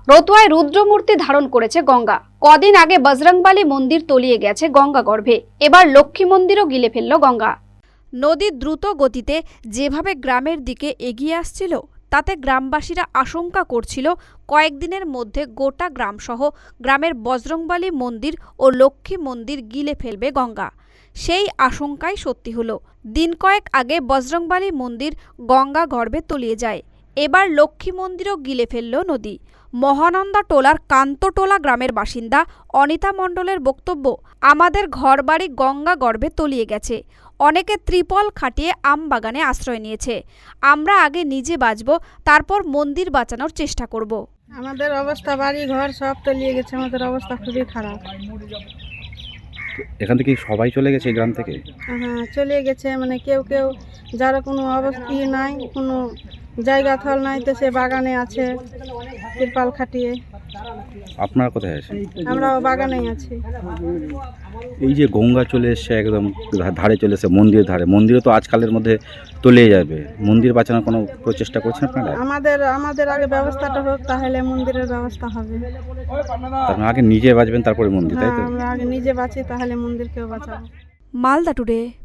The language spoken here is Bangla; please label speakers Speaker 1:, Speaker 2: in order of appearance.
Speaker 1: রতুয়ায় রুদ্রমূর্তি ধারণ করেছে গঙ্গা। কদিন আগে বজরংবলী মন্দির তলিয়ে গেছে গঙ্গা গর্ভে, এবার লক্ষ্মী মন্দিরও গিলে ফেলল গঙ্গা। নদী দ্রুত গতিতে যেভাবে গ্রামের দিকে এগিয়ে আসছিল, তাতে গ্রামবাসীরা আশঙ্কা করছিল কয়েকদিনের মধ্যে গোটা গ্রামসহ গ্রামের বজরংবলী মন্দির ও লক্ষ্মী মন্দির গিলে ফেলবে গঙ্গা। সেই আশঙ্কাই সত্যি হলো। দিন কয়েক আগে বজরংবলী মন্দির গঙ্গা গর্ভে তলিয়ে যায়, এবার লক্ষ্মী মন্দিরও গিলে ফেলল নদী। মহানন্দা টোলার কান্তটোলা গ্রামের বাসিন্দা অনিতা মণ্ডলের বক্তব্য, আমাদের ঘরবাড়ি গঙ্গা গর্ভে তলিয়ে গেছে। অনেকে ত্রিপল খাটিয়ে আম বাগানে আশ্রয় নিয়েছে। আমরা আগে নিজে বাঁচব, তারপর মন্দির বাঁচানোর চেষ্টা করব।
Speaker 2: আমাদের অবস্থা, বাড়ি ঘর সব তলিয়ে গেছে, আমাদের অবস্থা খুবই খারাপ।
Speaker 3: এখান থেকে সবাই চলে গেছে এই গ্রাম থেকে?
Speaker 2: হ্যাঁ, চলে গেছে, মানে কেউ কেউ যারা কোনো অবস্থা নাই, কোনো জায়গা থল নাই, তো সে বাগানে আছে তিরপাল খাটিয়ে।
Speaker 3: আপনারা কোথায় আছেন?
Speaker 2: আমরাও বাগানেই আছি।
Speaker 3: এই যে গঙ্গা চলে এসছে, একদম ধারে চলে এসছে, মন্দিরের ধারে, মন্দিরে তো আজকালের মধ্যে তলিয়ে যাবে, মন্দির বাঁচানোর কোনো প্রচেষ্টা করছেন আপনারা?
Speaker 2: আমাদের আগে ব্যবস্থাটা হোক, তাহলে মন্দিরের ব্যবস্থা হবে।
Speaker 3: আপনারা আগে নিজে বাঁচবেন, তারপরে মন্দির, তাই
Speaker 2: হ্যাঁ,
Speaker 3: তো?
Speaker 2: আমরা আগে নিজে বাঁচি, তাহলে মন্দিরকেও বাঁচাবো।
Speaker 1: মালদা টুডে।